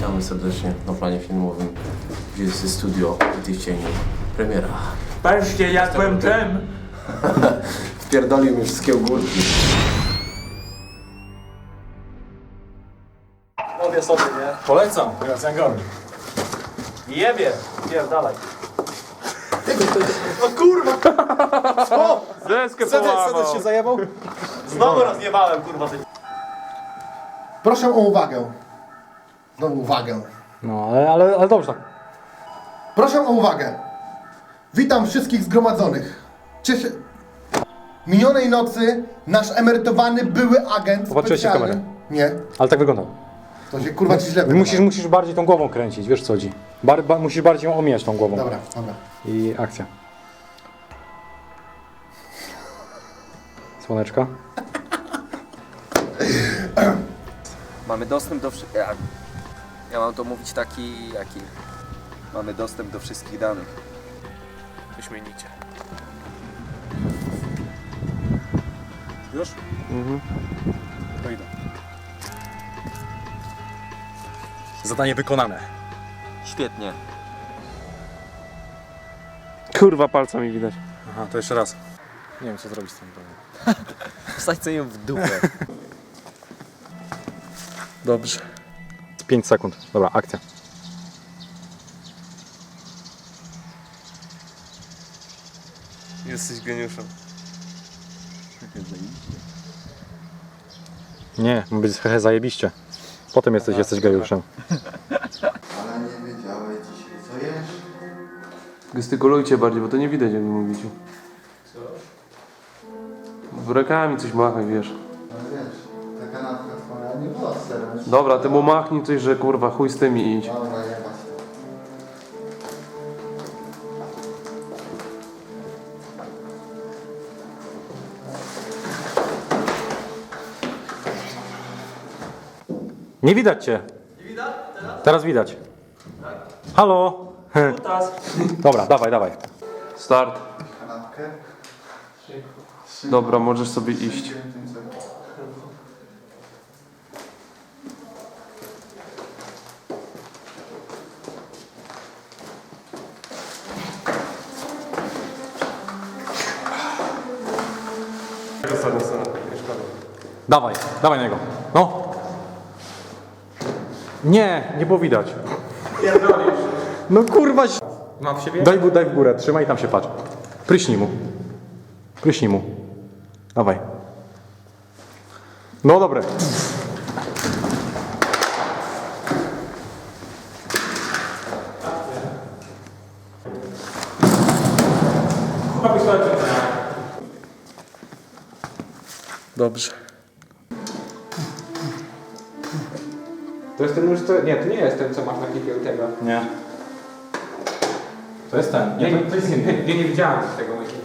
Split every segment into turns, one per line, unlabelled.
Witamy serdecznie na planie filmowym, gdzie jest studio Ty w cieniu. Premiera.
Patrzcie, jak byłem czym?
Wpierdolił mi wszystkie ogórki.
Mówię sobie, nie?
Polecam, teraz Angorni.
Jebie, dalej. O kurwa! Co?
Deskę połamał.
się zajebał?
Znowu rozjebałem, kurwa.
Proszę o uwagę. Znowu uwagę.
No, ale dobrze tak.
Proszę o uwagę. Witam wszystkich zgromadzonych. Cieszę... Minionej nocy nasz emerytowany były agent
Popatrzyłeś się w
specjalny...
kamerę?
Nie.
Ale tak wygląda.
To się kurwa ci źle wydawało.
Musisz bardziej tą głową kręcić, wiesz co chodzi. Musisz bardziej ją omijać tą głową.
Dobra.
I akcja. Słoneczka.
Mamy dostęp do ja mam to mówić taki, jaki? Mamy dostęp do wszystkich danych.
Wyśmienicie.
Już?
To idę. Zadanie wykonane.
Świetnie.
Kurwa, palca mi widać.
Aha, to jeszcze raz. Nie wiem co zrobić z tym.
Wsadź sobie ją w dupę.
Dobrze.
5 sekund. Dobra, akcja.
Jesteś geniuszem.
Nie, ma być hehe zajebiście. Potem jesteś gejuszem.
Ale nie wiedziałeś dzisiaj, co jesz?
Gestykulujcie bardziej, bo to nie widać, jak wy mówicie. Co? Rękami coś machaj, wiesz.
Ale wiesz, ta kanapka twoja nie była z serem.
Dobra, ty mu machnij coś, że kurwa chuj z tymi i idź.
Dobra, jebać to.
Nie widać cię. Nie widać? Teraz widać. Halo? Dobra, dawaj.
Start.
Kanapkę?
Dobra, możesz sobie iść. Ostatnia scena.
Dawaj na niego. No. Nie było widać. No kurwa.
Mam w siebie?
Daj w górę, trzymaj i tam się patrz. Pryśnij mu. Dawaj. No dobre.
Dobrze.
To jest ten nóż, co... Nie, to nie jest ten, co masz na klipie u tego.
Nie. To jest ten.
Nie, to jest nie, nie widziałem tego myśli.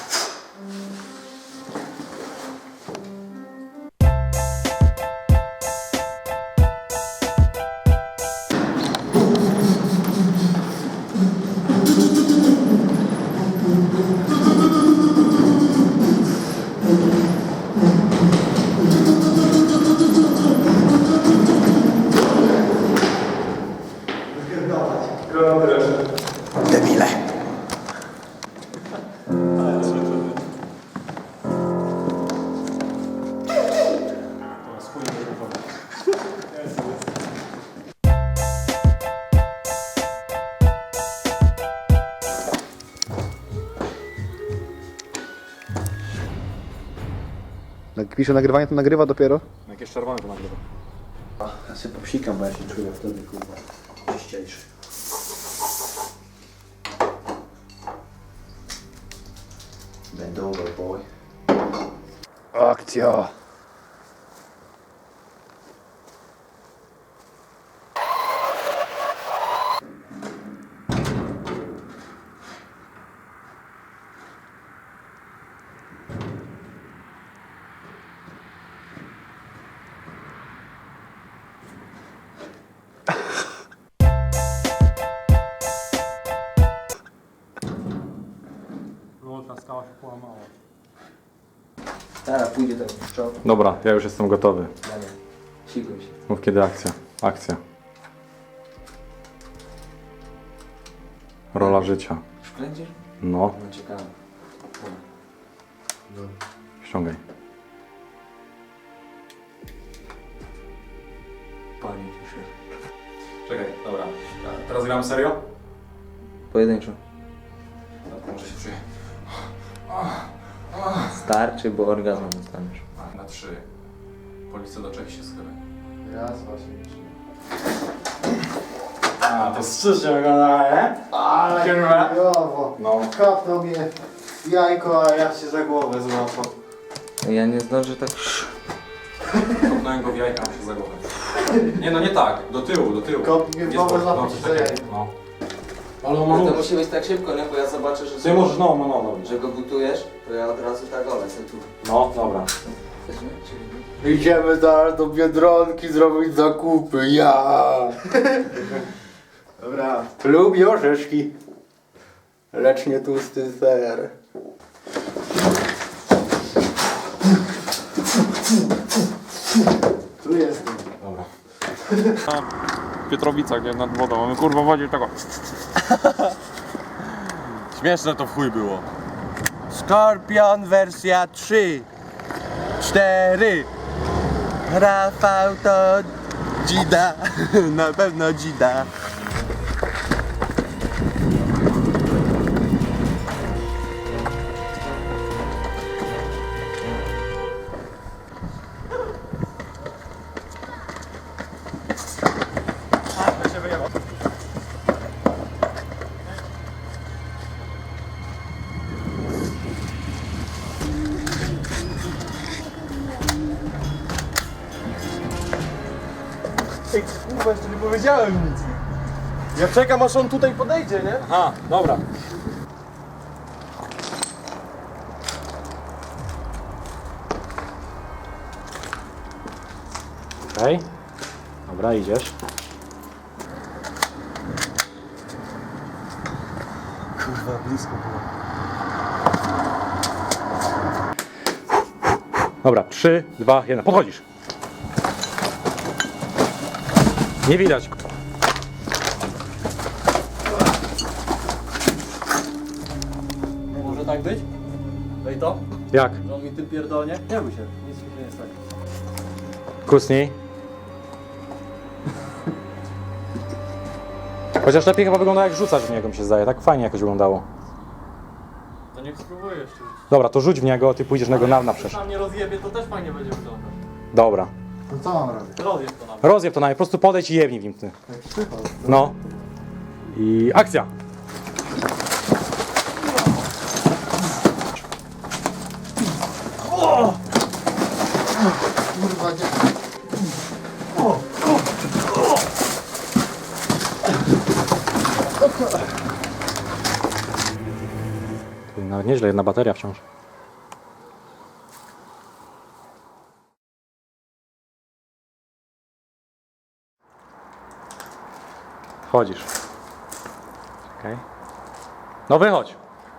Jak pisze nagrywanie, to nagrywa dopiero?
Jakieś czerwone to nagrywa.
Ja się popsikam, bo ja się czuję wtedy kurwa czyściejszy.
Bend over, boy.
Akcja!
Ta skała się połamała.
Teraz pójdzie ten szczop.
Dobra, ja już jestem gotowy.
Sikuj się.
Mów kiedy akcja. Akcja. Rola życia.
Już kręcisz?
No,
No ciekawe.
ściągaj.
Panie cieszę.
Czekaj, dobra. Teraz gramy serio?
Pojedynczo.
Może się czuję.
Starczy, bo orgazm dostaniesz.
Na 3. Policja do Czech się schylę.
Raz, właśnie.
A, to strzyżnie wygląda, nie?
Ale
Kurwa.
chujowo.
No.
Kapnął mnie jajko, a ja się za głowę złapał.
Ja nie zdążę tak...
Kopnąłem go w jajka, mu się za głowę. Nie no, nie tak. Do tyłu, do tyłu.
Kopnij mnie w
Nie
głowę,
spoko,
złapał się za
czekaj,
jajko.
no. Ale on ma
To
nóż.
musi być tak szybko, nie? Bo ja zobaczę, że...
Ty możesz, no.
Że go gotujesz, to ja od razu tak lecę tu.
No, dobra.
Chcesz, nie?
Idziemy zaraz do Biedronki zrobić zakupy, ja! Dobra. Lubię orzeszki, lecz nie tłusty ser. Tu jestem.
Dobra. W Pietrowicach, nie? Nad wodą. Mamy kurwa wodzie tego. Śmieszne to w chuj było.
Skorpion wersja 3, 4. Rafał to dzida, na pewno dzida. Ej, kurwa, jeszcze nie powiedziałem nic. Ja czekam, aż on tutaj podejdzie, nie?
Aha, dobra. Okej. Dobra, idziesz.
Kurwa, blisko było.
Dobra, 3, 2, 1. Podchodzisz. Nie widać.
Może tak być? Daj to?
Jak?
Że on mi tym pierdolnie? Nie bój się, nic mi nie jest tak.
Kucnij. Chociaż lepiej chyba wygląda jak rzucać w niego, mi się zdaje. Tak fajnie jakoś wyglądało.
To niech spróbuję jeszcze.
Dobra, to rzuć w niego, a ty pójdziesz na go na przecież.
Tam nie rozjebie, to też fajnie będzie wyglądać.
Dobra.
To co mam robić?
Rozjeb to nam.
Rozjeb to na mnie, po prostu podejdź i jebnij w nim ty. No. I akcja.
Kurwa, nie.
Nawet nieźle, jedna bateria wciąż. Wchodzisz. Czekaj. No wychodź.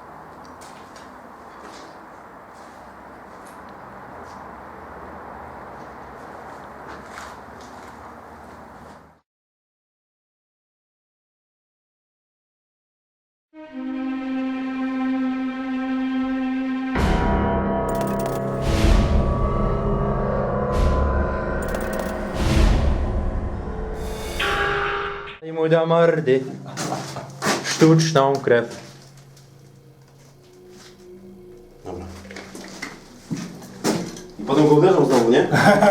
I mu da mordy. Sztuczną krew.
I potem go uderzą znowu, nie?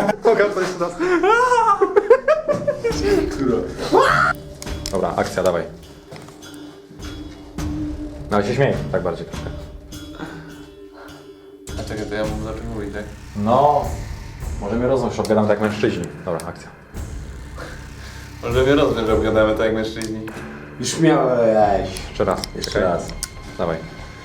Dobra, akcja, dawaj. No się śmieję, tak bardziej trochę.
A czekaj, to ja mam zacząć mówić, tak?
No, możemy rozmawiać, odpowiadamy tak jak mężczyźni. Dobra, akcja.
Może mnie rozumiem, że obgadamy tak jak mężczyźni.
Już miałeś.
Jeszcze raz.
Jeszcze
czekaj.
raz.
Dawaj.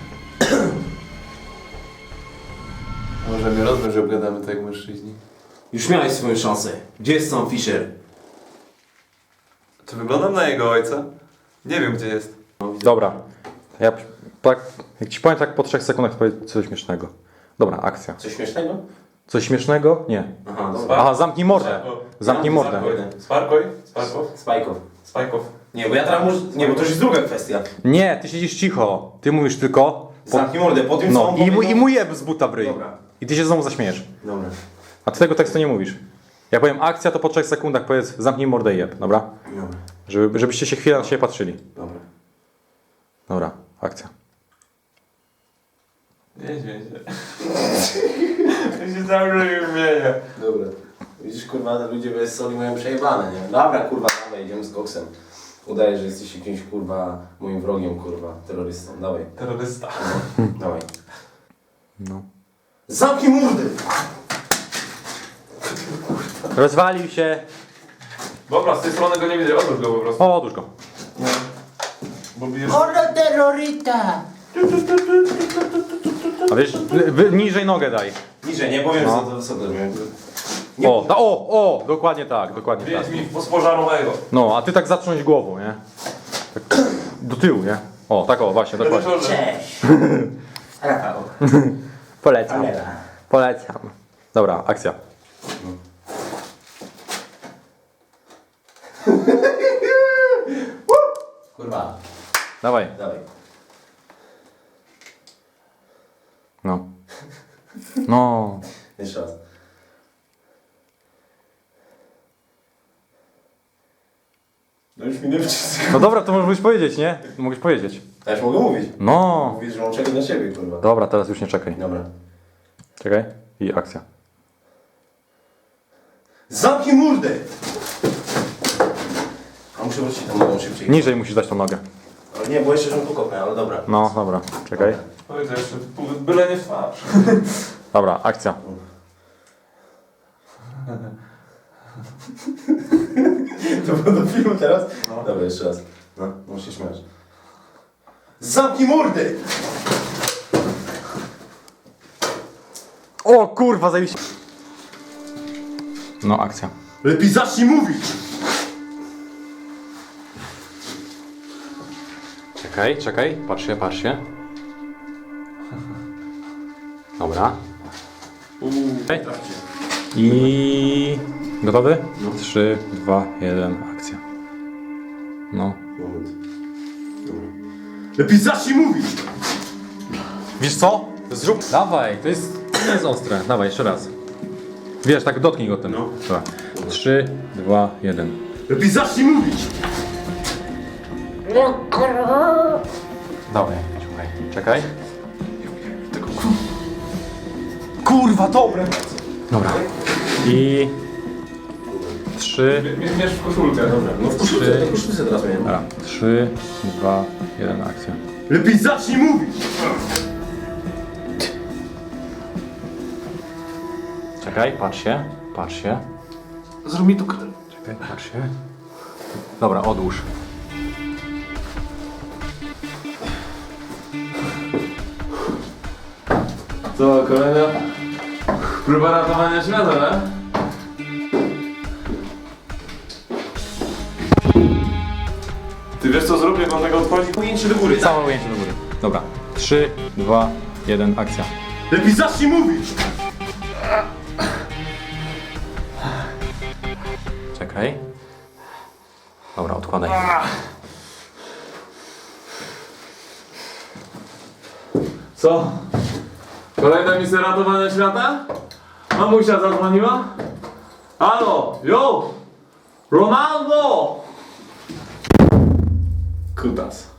Może mnie rozumiem, że obgadamy tak jak mężczyźni.
Już miałeś swoją szansę. Gdzie jest Sam Fisher?
Czy wyglądam na jego ojca? Nie wiem, gdzie jest.
Dobra. Ja tak, jak ci powiem tak po 3 sekundach, to powiedz coś śmiesznego. Dobra, akcja.
Coś śmiesznego?
Coś śmiesznego? Nie.
Aha, dobra.
Aha, zamknij mordę. Zamknij mordę.
Sparkoj? Sparkow?
Spajków.
Spajkow.
Nie, bo ja teraz muszę... Nie, bo to już jest druga kwestia.
Nie, ty siedzisz cicho. Ty mówisz tylko...
Zamknij mordę, po tym co
No
on
i mu jeb z buta w ryj.
Dobra.
I ty się znowu zaśmiejesz.
Dobra.
A ty tego tekstu nie mówisz. Jak powiem akcja, to po 3 sekundach powiedz zamknij mordę i jeb, dobra?
Dobra.
Żebyście się chwilę na siebie patrzyli.
Dobra.
Dobra, akcja.
Nie śmiej się. Ja się cały czas śmieję.
Dobra. Widzisz, kurwa, ludzie bez soli mają przejebane, nie? Dobra, kurwa, dawaj, idziemy z koksem. Udaje, że jesteś jakimś, kurwa, moim wrogiem, kurwa, terrorystą. Dawaj.
Terrorysta.
Dawaj.
No.
Zamknij mordę!
Rozwalił się.
Dobra, z tej strony go nie widzę, odwróć go po prostu.
O, odłóż go.
Bo bijesz...
Hola terrorista!
A wiesz, niżej nogę daj.
Niżej, nie powiem,
No.
co to wysoko zrobiłem.
O, dokładnie tak, dokładnie tak.
Wiedz mi posporzarowego.
No, a ty tak zatrząść głową, nie? Tak do tyłu, nie? O, tak o, właśnie, dokładnie.
Cześć! Rafał.
Polecam. Polecam. Dobra, akcja.
Kurwa,
Dawaj.
dawaj.
No. No.
Jeszcze raz. No już minęły 3 sekundy.
No dobra, to możesz powiedzieć, nie? Mogłeś powiedzieć.
Ja już mogę mówić.
No.
Mówisz, że on czeka na ciebie, kurwa.
Dobra, teraz już nie czekaj.
Dobra.
Czekaj. I akcja.
Zamknij mordę! A muszę wrócić tam nogą szybciej.
Niżej musisz dać tą nogę.
Ale nie, bo jeszcze żebym tu kopnę, ale dobra.
No, dobra. Czekaj.
Powiedz jeszcze, byle nie w twarz.
Dobra, akcja.
To było do filmu teraz? No. Dobra, jeszcze raz. No, musisz się śmiać. Zamknij mordę!
O kurwa, zajebiście. No, akcja.
Lepiej zacznij mówić!
Czekaj. Patrz się. Dobra. Okej. I... Gotowy?
No.
3, 2, 1, akcja. No.
Moment. Dobra. Lepiej zacznij mówić!
Wiesz co? Zrób... Dawaj, to nie jest ostre. Dawaj, jeszcze raz. Wiesz, tak dotknij go tym.
No.
Dobra. 3, 2, 1.
Lepiej zacznij mówić!
Dawaj, czekaj. Kurwa, dobre! Dobra. I... 3...
Mierz w koszulkę.
Dobra, no w koszulce, to koszulce teraz miałem.
Dobra. 3, 2, 1, akcja.
Lepiej zacznij mówić!
Czekaj, patrz się.
Zrób mi tu krew.
Czekaj, patrz się. Dobra, odłóż.
Co, kolejna próba ratowania świata, tak? Ty wiesz co zrób, jak on tego odchodzi?
Ujęcie do góry,
Całe ujęcie do góry. Dobra. 3, 2, 1, akcja.
Lepiej zacznij mówić!
Czekaj. Dobra, odkładaj.
Co? Kolejna misja ratowania świata? Mamusia zadzwoniła? Halo, yo! Ronaldo! Kutas.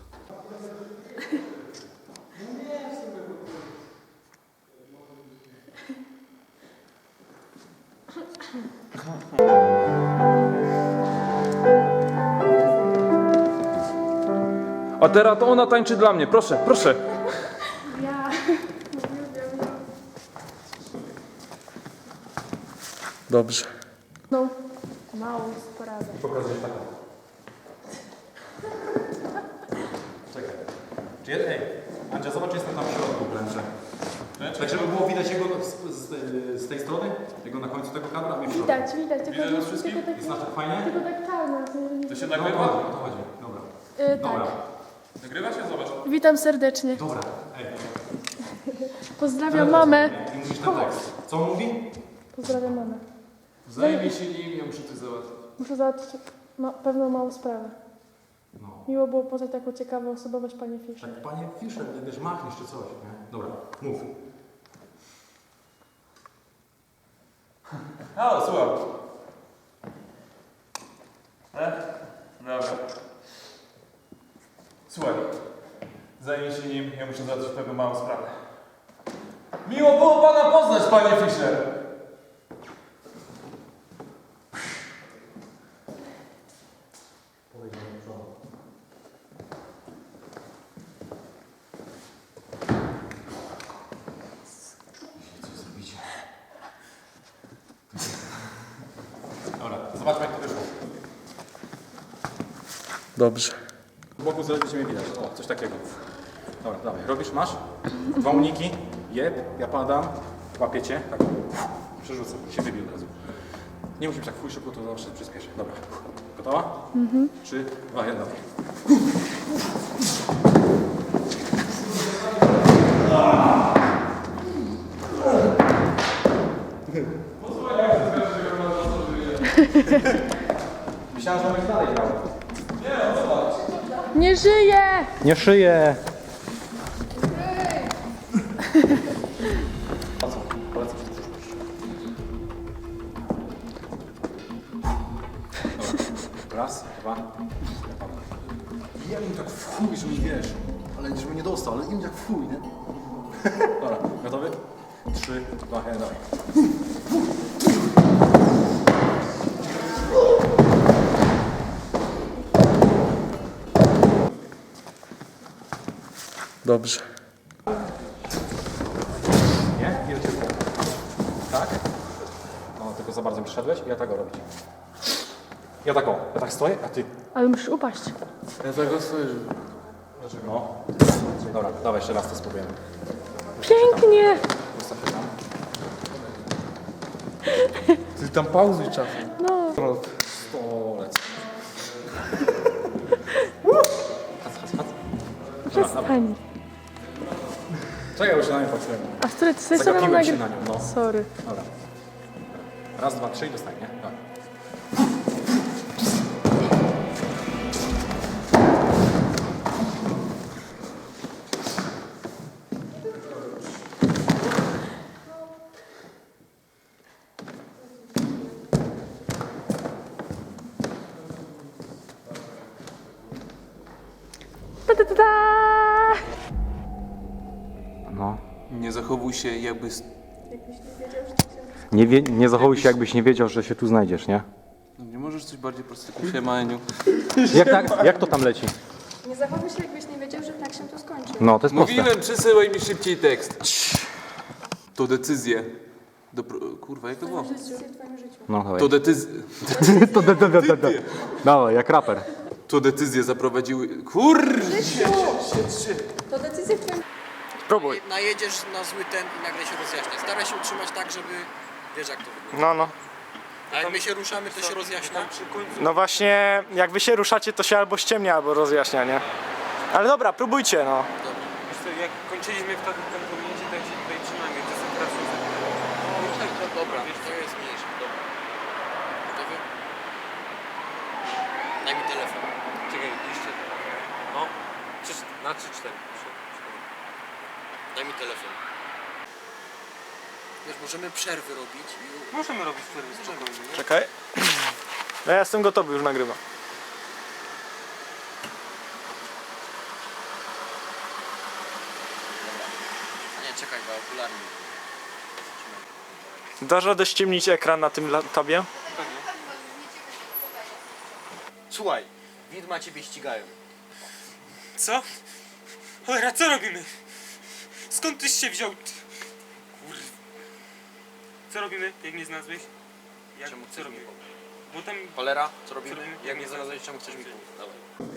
A teraz to ona tańczy dla mnie, proszę, proszę.
Ja.
Dobrze.
No, mało poradzę.
Ej, Andzia, zobacz, jestem tam w środku wręcz. Tak, żeby było widać jego z tej strony, jego na końcu tego kadra, a mnie w środku.
Widać, tylko
Widać nas wszystkich?
tylko tak,
Jest nasz tak fajnie?
tylko tak czarno.
To się
No,
nagrywa?
o to chodzi. Dobra.
Tak.
Dobra.
Nagrywa się? Zobacz.
Witam serdecznie.
Dobra. Ej.
Pozdrawiam mamę.
I mówisz ten tekst. Co on mówi?
Pozdrawiam mamę.
Zajmij się nim, ja muszę coś załatwić.
Muszę załatwić pewną małą sprawę.
No.
Miło było poznać taką ciekawą osobowość Panie Fischer.
Tak, panie Fischer, wiesz, machniesz czy coś, nie? Dobra, mów. Halo, słucham. Dobra. Słuchaj, zajmij się nim, ja muszę załatwić pewną małą sprawę. Miło było pana poznać, panie Fischer. Dobra, zobaczmy jak to wyszło.
Dobrze.
Z boku będzie mnie widać. O, coś takiego. Dobra, dawaj. Robisz, masz? Dwa uniki. Jeb, ja padam. Łapiecie. Tak. Przerzucę. Się wybił od razu. Nie musimy tak fuj szybko, to zawsze przyspieszę. Dobra. Gotowa? 3, 2, 1. Myślałem, że mamy dalej grał.
Nie żyje!
Nie szyję!
Polecam się do przyszłości. Dobra. Raz, dwa. Ja im tak w chuj, że mi wiesz. Ale żebym nie dostał, ale im tak w chuj, nie? Dobra, gotowy? 3, 2, 1, dawaj.
Dobrze.
Nie? Ile cię było? Tak? No, tylko za bardzo mi przyszedłeś i ja tak go robić. Ja tak o, ja tak stoję, a ty...
Ale musisz upaść.
Ja tak go stoję, Dlaczego? No. Dobra, dawaj jeszcze raz to spróbujemy.
Pięknie!
Ustaw się tam.
Ty tam pauzuj czasem.
No.
Stolec.
Przestań.
Czekaj, już na mnie patrzyłem.
A z której strony mam
Zagapiłem się
nagrywać?
na nią, no.
Sorry.
Dobra. Raz, dwa, trzy i dostań, nie? Tak.
Ta, ta, ta, ta.
No.
Nie zachowuj się jakby...
Nie zachowuj się, jakbyś nie wiedział, że się tu znajdziesz, nie?
Nie możesz coś bardziej prostego? Siema, Eniu.
Jak to tam leci?
Nie zachowuj się, jakbyś nie wiedział, że tak się to skończy.
No, to jest proste.
Mówiłem, przesyłaj mi szybciej tekst. To decyzje. Kurwa, jak to było?
W twoim życiu.
No, dawaj.
To decyzje...
Dawaj, jak raper.
To decyzje zaprowadziły... Kurwa!
To decyzja w twoim...
Próbuj.
Najedziesz na zły ten i nagle się rozjaśnia. Staraj się utrzymać tak, żeby... Wiesz jak to wygląda.
No.
A jak my się ruszamy, to się rozjaśnia.
No właśnie, jak wy się ruszacie, to się albo ściemnia, albo rozjaśnia, nie? Ale dobra, próbujcie, no.
Jak kończyliśmy w takim kompromisie, tak się tutaj trzymamy, to są teraz
Dobra, to jest mniejsze. Dobra. Gotowy? Daj mi telefon.
Czekaj, jeszcze. No. Na 3-4.
Daj mi telefon. Wiesz, możemy przerwy robić.
Możemy robić przerwy spokojnie.
Czekaj. No ja jestem gotowy, już nagrywam.
Nie, czekaj, bo okularnie.
Dasz radę ściemnić ekran na tym tabie?
Słuchaj, widma ciebie ścigają.
Co? Cholera, co robimy? Skąd tyś się wziął? Kurwa. Co robimy, jak mnie znalazłeś?
Czemu
co
chcesz mi
robimy?
pomóc?
Bo tam...
Cholera, co robimy?
Co robimy?
Jak mnie znalazłeś, czemu chcesz mi pomóc? Dawaj.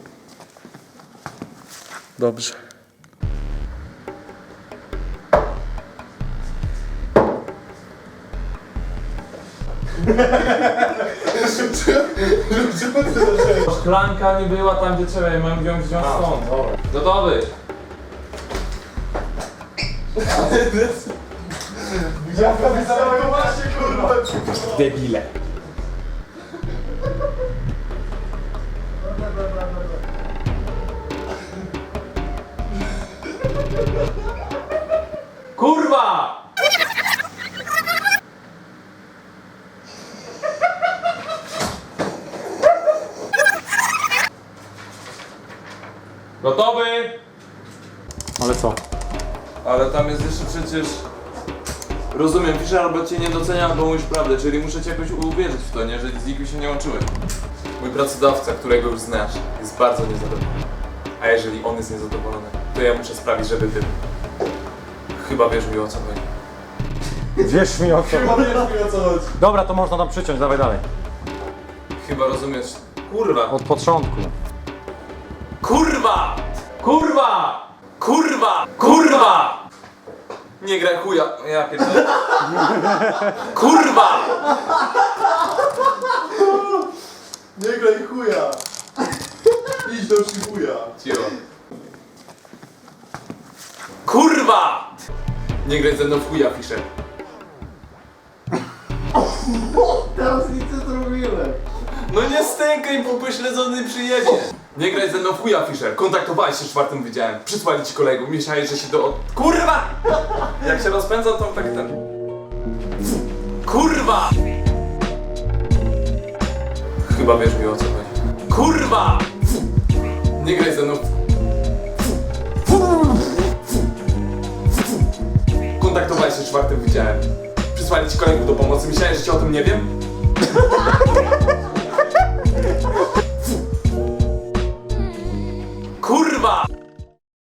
Dobrze.
Szklanka nie była tam, gdzie trzeba, ja mam ją wziąć stąd. Gotowy.
Debile.
Kurwa! Gotowy?
Ale co?
Ale tam jest jeszcze przecież... Rozumiem, Fischer albo cię nie docenia, albo mówisz prawdę, czyli muszę cię jakoś uwierzyć w to, nie? Że z nikim się nie łączyłeś. Mój pracodawca, którego już znasz, jest bardzo niezadowolony. A jeżeli on jest niezadowolony, to ja muszę sprawić, żeby ty... Chyba wiesz mi o co chodzi.
Wierz mi o co.
Chyba wiesz mi o co chodzi.
Dobra, to można tam przyciąć, dawaj dalej.
Chyba rozumiesz. Kurwa!
Od początku.
Kurwa! Kurwa! Kurwa! Kurwa! Nie graj chuja. Ja pierdolę. Kurwa!
Nie graj chuja! Idź do szybuja!
Cicho. Kurwa! Nie graj ze mną w chuja, Fischer.
Teraz nic nie zrobiłem!
No nie stękaj, bo pośledzony przyjedzie. Nie graj ze mną w chuja, Fischer. Kontaktowałeś się z 4. wydziałem. Przysłali ci kolegów. Myślałeś, że się do... Kurwa! Jak się rozpędzam, to tak ten... Kurwa! Chyba wiesz mi o co chodzi. Kurwa! Nie graj ze mną Kontaktowałeś się z 4. wydziałem. Przysłali ci kolegów do pomocy. Myślałeś, że cię o tym nie wiem?